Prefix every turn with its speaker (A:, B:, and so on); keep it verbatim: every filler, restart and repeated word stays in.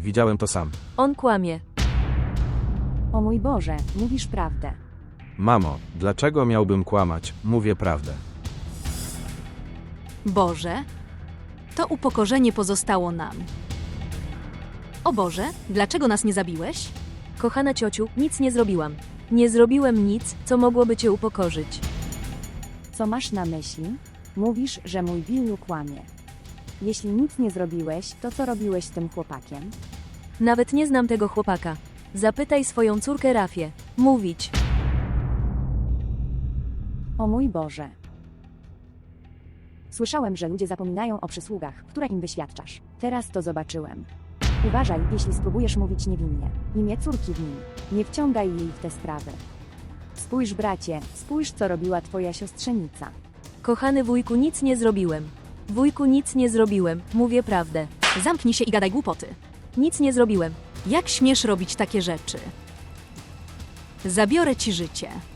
A: widziałem to sam.
B: On kłamie.
C: O mój Boże, mówisz prawdę.
A: Mamo, dlaczego miałbym kłamać? Mówię prawdę.
D: Boże, to upokorzenie pozostało nam. O Boże, dlaczego nas nie zabiłeś?
B: Kochana ciociu, nic nie zrobiłam. Nie zrobiłem nic, co mogłoby cię upokorzyć.
C: Co masz na myśli? Mówisz, że mój Billu kłamie. Jeśli nic nie zrobiłeś, to co robiłeś z tym chłopakiem?
B: Nawet nie znam tego chłopaka. Zapytaj swoją córkę Rafię. Mówić.
C: O mój Boże. Słyszałem, że ludzie zapominają o przysługach, które im wyświadczasz. Teraz to zobaczyłem. Uważaj, jeśli spróbujesz mówić niewinnie. Imię córki w nim. Nie wciągaj jej w te sprawy. Spójrz, bracie, spójrz, co robiła twoja siostrzenica.
B: Kochany wujku, nic nie zrobiłem. Wujku, nic nie zrobiłem. Mówię prawdę.
D: Zamknij się i gadaj głupoty.
B: Nic nie zrobiłem.
D: Jak śmiesz robić takie rzeczy? Zabiorę ci życie.